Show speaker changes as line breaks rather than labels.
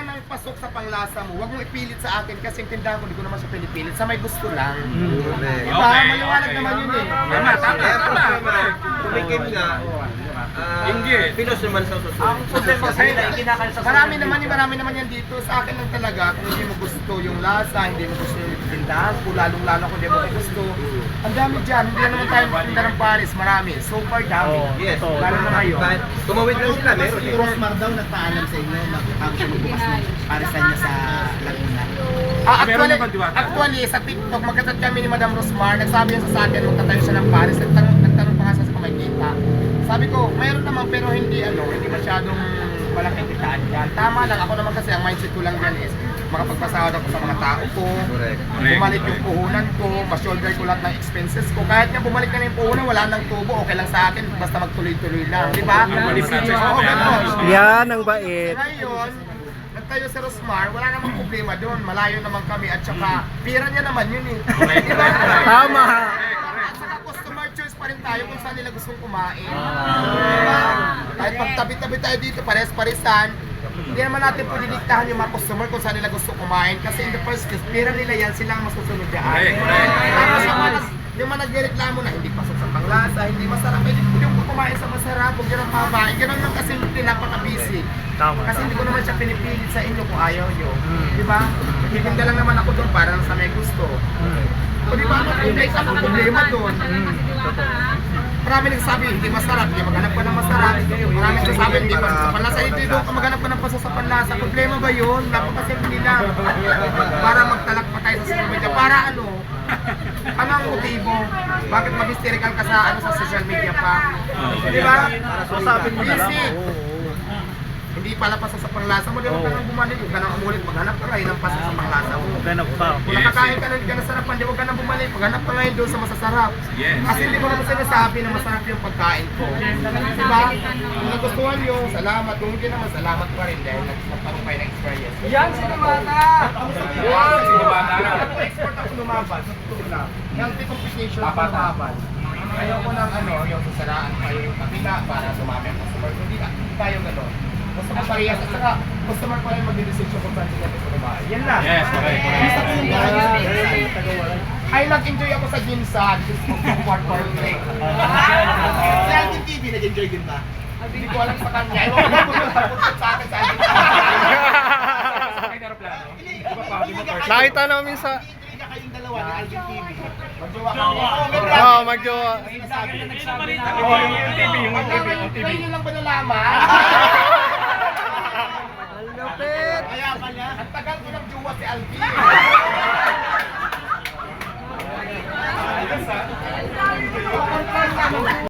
wala nang pasok sa panglasa mo, huwag mong ipilit sa akin kasi yung tindahan ko, hindi ko naman siya pinipilit. Sa may gusto lang. Diba? Maliwanag naman yun eh.
Tama. Tumikim nga. Pinos naman sa susunod.
Marami naman yan dito. Sa akin lang talaga, kung hindi mo gusto yung lasa, hindi mo gusto yung tindahan ko, lalong-lalo kung hindi mo gusto. Ang dami dyan, hindi na naman tayo magtinda ng Paris, marami. So far dami.
Yes.
Lalo na ngayon.
Tumawid lang sila, meron
Si
eh.
Rosmar daw nagpaalam sa inyo ang bukas ng parisan niya sa Laguna.
Actually, sa TikTok, magkachat kami ni Madam Rosmar, nagsabi niya sa akin, magtatayo siya ng Paris, nagtanong pa nga siya sa Kamakita. Sabi ko, mayroon naman pero hindi masyadong malaking kitaan yan. Tama lang, ako naman kasi ang mindset ko lang yan is makapagpasahod ako sa mga tao ko, bumalik yung puhunan ko, ma-shoulder ko lahat ng expenses ko. Kahit nga bumalik na yung puhunan, wala nang tubo, okay lang sa akin, basta magtuloy-tuloy lang, di ba? Oo, gano'n.
Yan ang bait.
Ngayon, nagtayo sa Rosmar, wala namang problema doon, malayo naman kami at saka pira niya naman yun eh. Di ba?
Tama.
At saka customer choice pa rin tayo kung saan nila gustong kumain. Diba? Kahit pagtabi-tabi tayo dito, pares-paresan, hindi naman natin po didiktahan yung mga customer kung saan nila gusto kumain kasi in the first place, pira nila yan, sila ang masusunod yan. Tapos yung mga nagreklamo na hindi pasok sa panglasa, hindi masarap, yung kumain sa masarap, huwag yun ang mamain. Ganun lang kasi pinapaka-busy. Kasi hindi ko naman siya pinipilit sa inyo kung ayaw nyo. Diba? Titinda lang naman ako doon para lang sa may gusto. O diba, ang problema doon. Marami nagsasabi, hindi masarap, hindi maghanap ka ng masarap. Marami nagsasabi, hindi pasok sa panlasa. Hindi doon ka maghanap ka ng pasok sa panlasa. Problema ba yun? Napakasimple lang. Para magtalak pa tayo sa social media. Para ano? Ano ang motibo? Bakit mag-hysterical ka sa social media pa? Di ba? Busy. Hindi pala pasok sa panglasa mo, di ba ka nang bumalik? Huwag ka nang umulit, maghanap ka ngayon ng pasok sa panglasa mo. Kung nakakain ka ng nasarapan, di huwag ka nang bumalik, maghanap ka ngayon doon sa masasarap. Kasi hindi ko naman sinasabi na masarap yung pagkain ko. Diba? Kung nagustuhan nyo, salamat. Kung hindi naman, salamat pa rin dahil nagparoon kayo ng experience. Yan, sinumata! Yan, sinumata! Export ako lumaban, sa totoo lang. Healthy competition ako lumaban. Ayoko ng yung sasaraan kayo yung kabila para sumami ang customer. Hindi tayo gano'n. Gusto mo parehas at saka customer pa rin mag-decision kung saan sila gusto kumain. Yan lang.
Yes, correct.
Ay, nag-enjoy ako sa Ginsan. Gusto ko part break.
Si Alvin TV, nag-enjoy din ba?
Hindi ko alam sa kanya. Ewan ko lang kung nagpunta sa akin sa Alvin TV.
Nakita namin sa...
Enjoy ka kayong dalawa ni Alvin TV.
Magjowa kami.
Oo, magjowa.
Yung TV. Ngayon nyo lang ba nalaman?
Lupit!
Kaya pala.
Ang tagal ko ng jowa si Alvin. Ay,